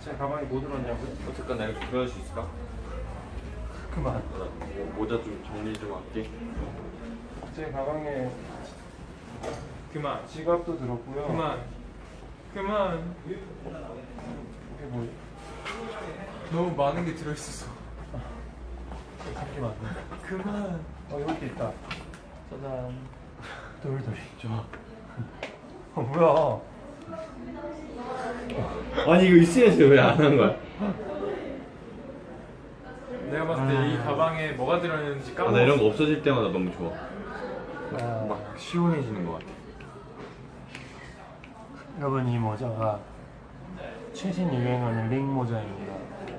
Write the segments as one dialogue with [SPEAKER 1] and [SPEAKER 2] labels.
[SPEAKER 1] 제 가방에 뭐 들었냐고요?
[SPEAKER 2] 어떡하 내가 좀 들어줄 수 있을까?
[SPEAKER 1] 그만.
[SPEAKER 2] 나 모자 좀 정리 좀 할게.
[SPEAKER 1] 제 가방에
[SPEAKER 3] 그만.
[SPEAKER 1] 지갑도 들었고요.
[SPEAKER 3] 그만.
[SPEAKER 1] 이게 뭐지?
[SPEAKER 3] 너무 많은 게 들어있어서.
[SPEAKER 1] 잠시만.
[SPEAKER 3] 그만.
[SPEAKER 1] 여기 있다. 짜잔. 돌돌이.
[SPEAKER 2] 좋아.
[SPEAKER 1] 뭐야?
[SPEAKER 2] 아니 이거 있어야지 왜 안 한 거야?
[SPEAKER 3] 내가 봤을 때 이 가방에 뭐가 들어있는지
[SPEAKER 2] 아,
[SPEAKER 3] 까먹었어.
[SPEAKER 2] 나 이런 거 없어질 때마다 너무 좋아.
[SPEAKER 1] 아,
[SPEAKER 2] 막 시원해지는 것 같아.
[SPEAKER 1] 여러분 이 모자가 최신 유행하는 링 모자입니다.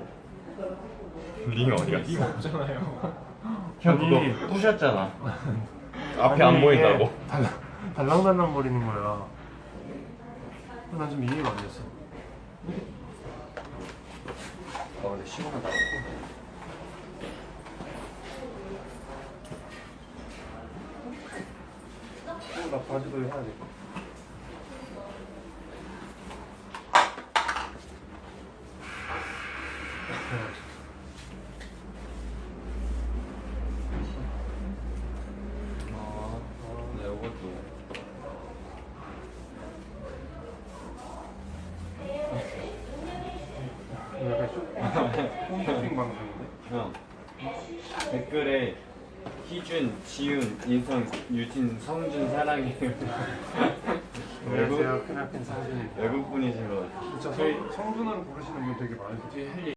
[SPEAKER 2] 링이 어디 갔어?
[SPEAKER 3] 이거 없잖아요.
[SPEAKER 2] 형
[SPEAKER 1] 아니,
[SPEAKER 2] 그거 부셨잖아. 앞에 안 보인다고.
[SPEAKER 1] 달랑달랑 거리는 거야. 난 좀 이해가 안 됐어.
[SPEAKER 2] 근데 시원하다.
[SPEAKER 1] 나 바지도 해야 돼.
[SPEAKER 2] 네, 이것도.
[SPEAKER 1] 약간 홈쇼핑 방송인데?
[SPEAKER 2] 형 댓글에 희준, 지윤, 인성, 유진, 성준 사랑해.
[SPEAKER 1] 안녕하세요. 크나큰 상준입니다.
[SPEAKER 2] 외국 분이신 것 같아.
[SPEAKER 1] 진짜 성준으로 부르시는 분 되게 많으세요.